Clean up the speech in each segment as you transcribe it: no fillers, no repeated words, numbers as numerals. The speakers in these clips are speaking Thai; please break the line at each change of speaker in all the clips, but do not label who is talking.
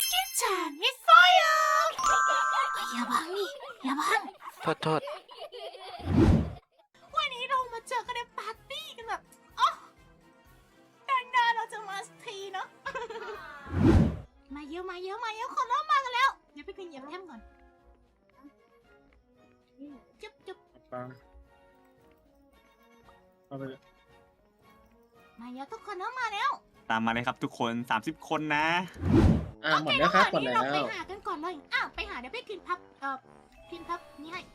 Time with fire อย่าบังนี่อย่าบัง
โทษ
วันนี้เรามาเจอกันในปาร์ตี้กันแบบอ๋อนานๆเราจะมาสักทีเนาะ มาเยอะคนเริ่มมากันแล้วเดี๋ยวไปกินเหยียบแฮมก่อนจุ๊บ
ฟังเอาไป
มาเยอะทุกคนเริ่มมาแล้ว
ตามมาเลยครับทุกคน30 คนนะ
หมดแล้วครับหมด
นี่
แล้
เรา
ว
ไปหากันก่อนเลยไปหาเดี๋ยวไปกินพับนี่ให้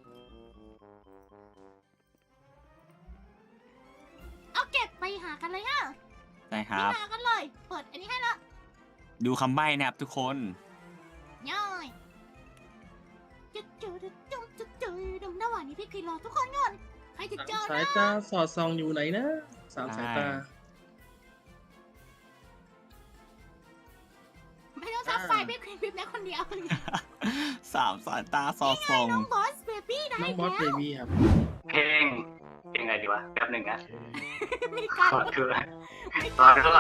เอาเก็บไปหากันเลยฮะ
ใช่ครับ
หากันเลย เปิดอันนี้ให้ละ
ดูคำใบ้นะครับทุกคน
ย่อยจุ๊ดระหว่างนี้พี่คิดรอทุกคนก่อนใครจะเจอ
สาย
นะ
ตาสอดส่องอยู่ไหนนะสามสายตา
ไม่ต้องซับไฟพี่คลิปนะคนเดียว
3 สายตาสอดส่อง
น้องบอสเบบี้ได้
น้องบอสเบบี้ครับ
เพลงไงดีวะแป๊บหนึ่งนะ
มีการ
ขอคือตอนก็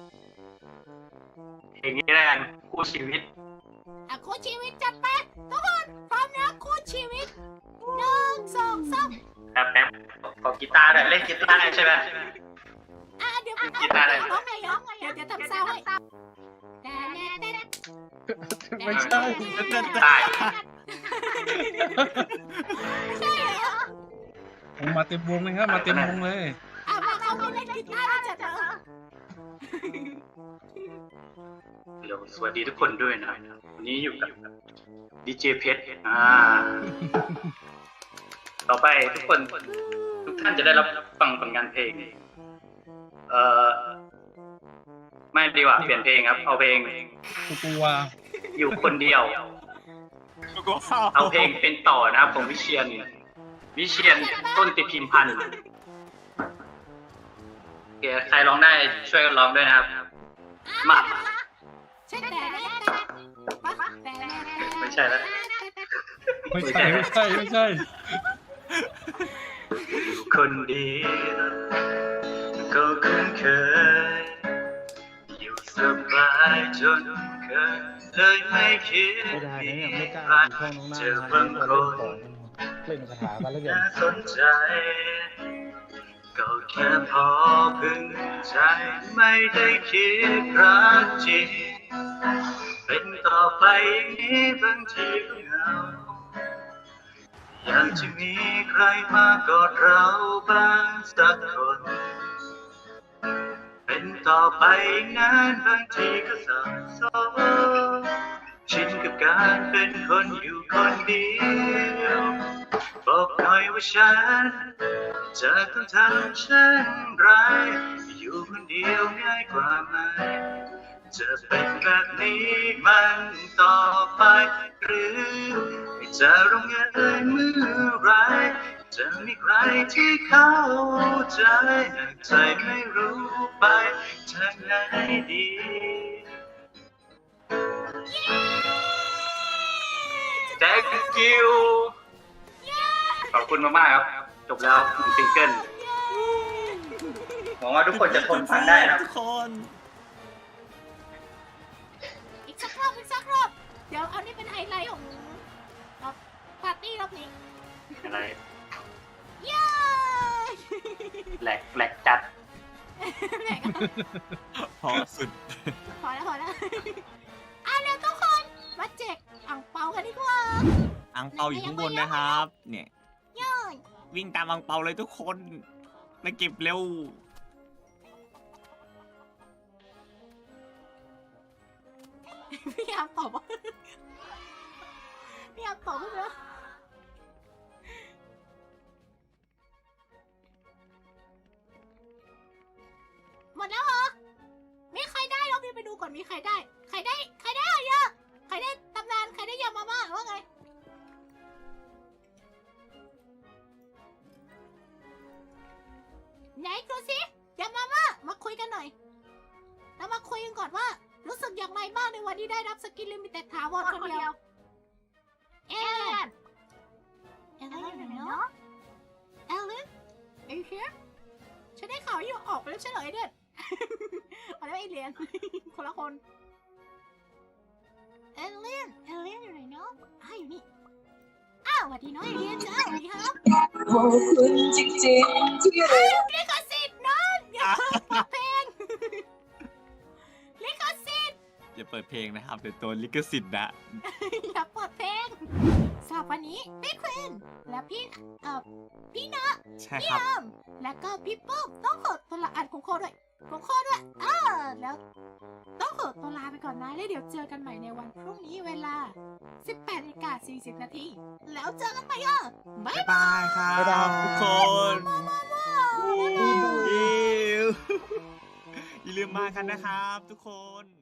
เพลงนี้แล้วกันคู่ชีวิต
คู่ชีวิตจัดไปทุกคนพร้อมนะคู่ชีวิต1 2 3
แป๊บขอกีตาร์หน่อยเล่นกีตาร์ได้ใช่ไหม
เดี๋ยว
กีตาร์ได้
ร้องไงเดี๋ยวทำซาวให้แต่
ไม่ใช่
ได้
ใช่เหรอ
ผมมาเต็มวงเลยครับมาเต็มวงเลย
มาเขาเล่นกีตาร์แล้วจัดเถอะ
เดี๋ยวสวัสดีทุกคนด้วยนะวันนี้อยู่กับดีเจเพชรต่อไปทุกท่านจะได้รับฟังผลงานเพลงไม่ดีกว่าเปลี่ยนเพลงครับเอาเพลง
กูกลัว
อยู่คนเดียว เอาเพลงเป็นต่อนะครับของวิเชียนต้นติพิมพันธ์โอเคใครร้องได้ช่วยกันร้องด้วยนะครับมา
ใช่แต่
ไม่ใช่แล้ว
ไม่ใช่
อยู่คนเดียวก็คุ้นเคยอยู่สบายจนเคยเลยไม่คิดมีใครเจอบางคน
เล่นคาถากันแล้วกัน
น่าสนใจก็แค่พอพึงใจไม่ได้คิดรักจริงเป็นต่อไปอย่างนี้บางทีก็เหงาอยากจะมีใครมากอดเราบ้างสักคนเป็นต่อไปอย่างนั้นบางทีก็สับสนชินกับการเป็นคนอยู่คนเดียวบอกหน่อยว่าฉันจะต้องทำเช่นไรอยู่คนเดียวง่ายกว่าไหมจะเป็นแบบนี้มันต่อไปหรือจะร้องไห้เมื่อไรจะมีใครที่เข้าใจหากใจไม่รู้ไปทางไหนดีThank you ขอบคุณมากๆครับจบแล้ว1 ซิงเกิลหวังว่าทุกคนจะทนฟังได้นะ
ทุกคน
อีกสักรอบเดี๋ยวเอานี่เป็นไฮไลท์ของปาร์ตี้รอบนี้
อะไร
เย้
แหลกจัด
พอสุด
พอแล้วเร็วทุกคนมาแจกอ่างเปากันดีกว่า
อังเปาอยู่ข้างบนนะครับเนี่ย
ย่อย
วิ่งตามอังเปาเลยทุกคนไปเก็บเร็ว
พี่ยามตอบว่าแล้วหมดแล้วเหรอมีใครได้ลองไปดูก่อนมีใครได้อะเยอะใครได้ตำนานใครได้ยามาม่าหรือว่าไงไหนดูสิยามาม่ามาคุยกันหน่อยแล้วมาคุยกันก่อนว่ารู้สึกอย่างไรบ้างในวันที่ได้รับสกินลิมิเต็ดถาวรคนเดียวเอเลนเนาะเอเลน are you here ฉันได้ข่าวอยู่ออกไปแล้วเฉลยเด็ดเอาแล้วไอเลียน คนละคนสวัสดีน้องเอเลียนจ้าสวัสดีครับ
ขอบคุณจริงๆที่เรา
ลิขสิทธิ์นะอย่าเปิดเพลงลิขสิทธิ์
อย่าเปิดเพลงนะครับเดี๋ยวโดนลิขสิทธิ์นะ
อย่าเปิดเพลงสำหรับวันนี้พี่ควีนและพี่นะ
ใช่
พี่
ครับ
อามและก็พี่ปุ้มต้องขอตัวลาของโคด้วยแล้วต้องขอตัวลาไปก่อนนะแล้วเดี๋ยวเจอกันใหม่ในวันพรุ่งนี้เวลา 18:40 นาทีแล้วเจอกันใหม่บ๊าย
บ๊าย
บาย
บายครับ
บ๊ายบาย
ทุกคน
บ๊ายบาย
อย่าลืมมากันนะครับทุกคน